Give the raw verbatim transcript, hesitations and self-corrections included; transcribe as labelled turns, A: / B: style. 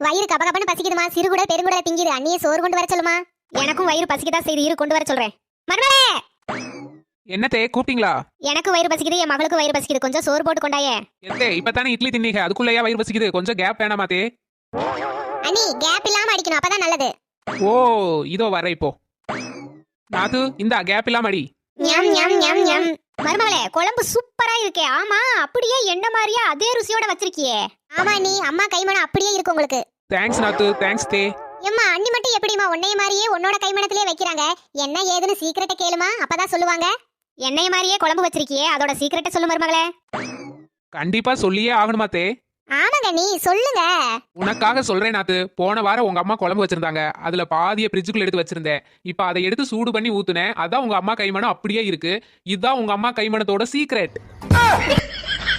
A: வயிறு கபகபன்னு பசிக்குதுமா, சிறுகுடல் பெருங்குடல் திங்கிது. அண்ணியே சோறு கொண்டு வர சொல்லுமா. எனக்கும் வயிறு பசிக்குதா செய்து, இரு கொண்டு வர சொல்றேன். மருமகளே,
B: என்னத்தே கூப்பிட்டீங்களா?
A: எனக்கு வயிறு பசிக்குது, என் மகளுக்கு வயிறு பசிக்குது, கொஞ்சம் சோறு போட்டு கொண்டாயே.
B: எத்தே இப்பதானே இட்லி தின்னீங்க, அதுக்குள்ளேயா வயிறு பசிக்குது? கொஞ்சம் கேப் வேணாமாத்தே?
A: அண்ணி கேப் இல்லாம அடிக்கணும், அப்பதான் நல்லது.
B: ஓ இதோ வர இப்போ. நாத்து இந்த கேப் இல்லாம அடி.
A: ஞம் ஞம் ஞம் ஞம். மருமகளே, குழம்பு சூப்பரா இருக்கே. ஆமா, அப்படியே என்ன மாதிரியே அதே ருசியோட வச்சிருக்கியே. ஆமா நீ அம்மா கைமணம் அப்படியே இருக்கு உங்களுக்கு.
B: தேங்க்ஸ் நாத்து, தேங்க்ஸ் தே.
A: எம்மா அண்ணி மட்டும் எப்படிமா உன்னைய மாதிரியே உன்னோட கைமணத்திலே வைக்கிறாங்க? என்ன ஏதுன்னு சீக்கிரட்ட கேளுமா, அப்பதான் சொல்லுவாங்க. என்னைய மாதிரியே குழம்பு வச்சிருக்கியே, அதோட சீக்கிரட்ட சொல்லு மருமகளே.
B: கண்டிப்பா சொல்லியே ஆகணுமா தே?
A: ஆமாங்க, நீ சொல்லுங்க.
B: உனக்காக சொல்றேன் நாத்து. போன வாரம் உங்க அம்மா குழம்பு வச்சிருந்தாங்க, அதுல பாதிய ஃப்ரிட்ஜுக்குள்ள எடுத்து வச்சிருந்தேன். இப்ப அதை எடுத்து சூடு பண்ணி ஊத்துனேன், அதான் உங்க அம்மா கைமணம் அப்படியே இருக்கு. இதுதான் உங்க அம்மா கைமணத்தோட சீக்ரெட்.